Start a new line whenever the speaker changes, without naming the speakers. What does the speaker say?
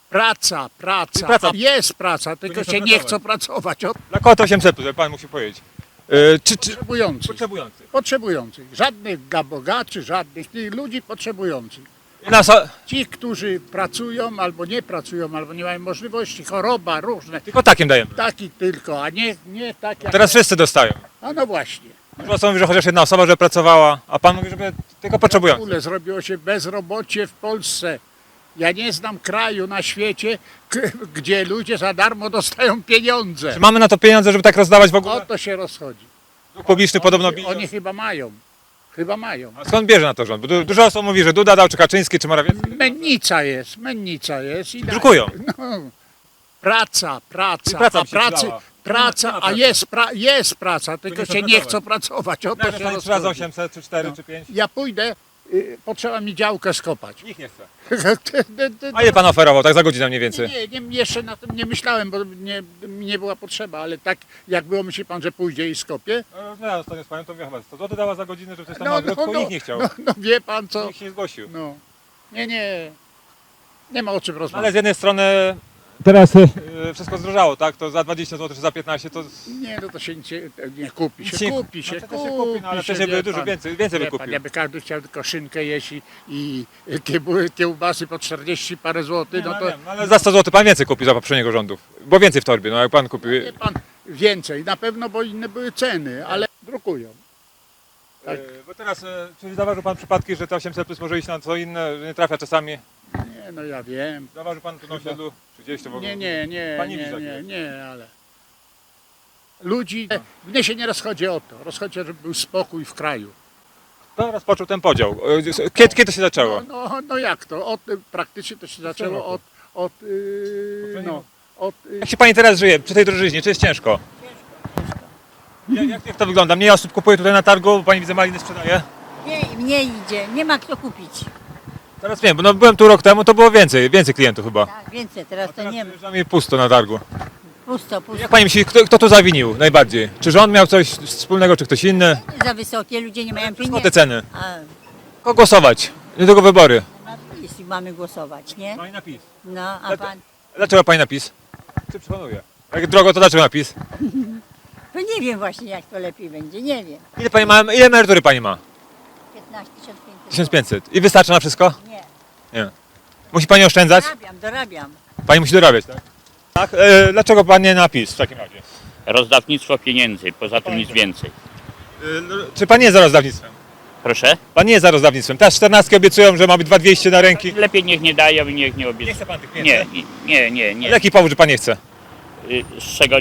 Praca.
Praca.
Jest praca, tylko
chcą
się nie chcą pracować.
Dla kogo to 800 plus, jak pan musi powiedzieć? Czy
Potrzebujących. Żadnych dla bogaczy, żadnych tych ludzi potrzebujących. Ci, którzy pracują albo nie pracują, albo nie mają możliwości, choroba, różne.
Tylko takim dajemy.
Taki tylko, a nie tak jak...
Teraz wszyscy dostają.
A no właśnie.
Dużo osób mówi, że chociaż jedna osoba, że pracowała, a pan mówi, żeby tylko
W
potrzebujący.
ogóle zrobiło się bezrobocie w Polsce. Ja nie znam kraju na świecie, gdzie ludzie za darmo dostają pieniądze.
Czy mamy na to pieniądze, żeby tak rozdawać w
O
ogóle?
to się rozchodzi.
Dług publiczny podobno bije.
Oni chyba mają. Chyba mają.
A skąd bierze na to rząd? Bo dużo osób mówi, że Duda dał, czy Kaczyński, czy Morawiecki.
Mennica jest. I
Drukują.
no, praca,
praca mi się przydała.
jest praca, tylko się nie chcą pracować. O to
Jak
się
pani 3 razy
rozchodzi.
800, czy 4, czy 5?
Ja pójdę, potrzeba mi działkę skopać.
Nikt nie chce. A
A
ile pan oferował, tak za godzinę mniej więcej?
nie, jeszcze na tym nie myślałem, bo nie była potrzeba, ale tak jak było, myśli pan, że pójdzie i skopie?
No ja ostatnio z panią to mówię chyba 100 zł dała za godzinę, żeby coś tam na ogródku i nikt nie chciał.
No wie pan co?
Nikt się nie zgłosił.
No. Nie ma o czym
Ale
rozmawiać.
z jednej strony teraz wszystko zdrożało, tak? To za 20 zł czy za 15 to
Nie, no to się nie kupi.
Nic
Się
nie-
kupi,
no to też się kupi, no ale wcześniej by dużo więcej by
Wie pan,
kupił.
jakby każdy chciał tylko szynkę jeść i kiełbasy po 40 parę złotych, no to
wiem, ale za 100 zł pan więcej kupił za poprzedniego rządów. Bo więcej w torbie, no jak pan kupił.
wie pan więcej. Na pewno, bo inne były ceny, ale drukują. Tak.
Bo teraz, czy zauważył pan przypadki, że te 800 plus może iść na co inne, że nie trafia czasami?
Nie, no ja wiem.
Zauważył pan tu na osiedlu? Czy gdzieś to w ogóle? Pan nie widzi takiego?
nie, ale ludzi, mnie się nie rozchodzi o to. Rozchodzi, żeby był spokój w kraju.
To rozpoczął ten podział. Kiedy to się zaczęło?
No jak to? Praktycznie to się zaczęło od
Jak się pani teraz żyje przy tej drożyźnie? Czy jest ciężko? Jak to wygląda? Mniej osób kupuje tutaj na targu, bo pani widzę maliny sprzedaje?
Nie idzie, nie ma kto kupić.
Teraz wiem, bo no, byłem tu rok temu, to było więcej klientów chyba.
Tak, więcej, teraz to
Teraz
nie ma.
przynajmniej pusto na targu.
Pusto.
Jak pani myśli, kto tu zawinił najbardziej? Czy rząd miał coś wspólnego, czy ktoś inny?
Za wysokie, ludzie nie mają
Skąd te
pieniędzy.
ceny?
A
Kogo głosować? Niedługo wybory.
na PiS mamy głosować, nie?
Pani napis.
No, a pan...
Dlaczego pani napis? Czy przekonuje? Jak drogo, to dlaczego napis?
To nie wiem właśnie, jak to lepiej będzie, nie wiem.
Ile pani ma, ile emerytury pani ma?
15 500.
1500. I wystarczy na wszystko?
Nie,
Nie. Musi pani oszczędzać?
dorabiam.
Pani musi dorabiać, tak? Tak? Dlaczego pan nie napis w takim razie?
Rozdawnictwo pieniędzy, poza tym nic więcej.
Czy pan nie jest za rozdawnictwem?
Proszę?
Pan nie jest za rozdawnictwem. Teraz 14 obiecują, że ma być 2200 na ręki.
Lepiej niech nie dają i niech nie
Nie
obiecują.
chce pan tych pieniędzy?
Nie.
Ale jaki powód, że pan nie chce?
Z czego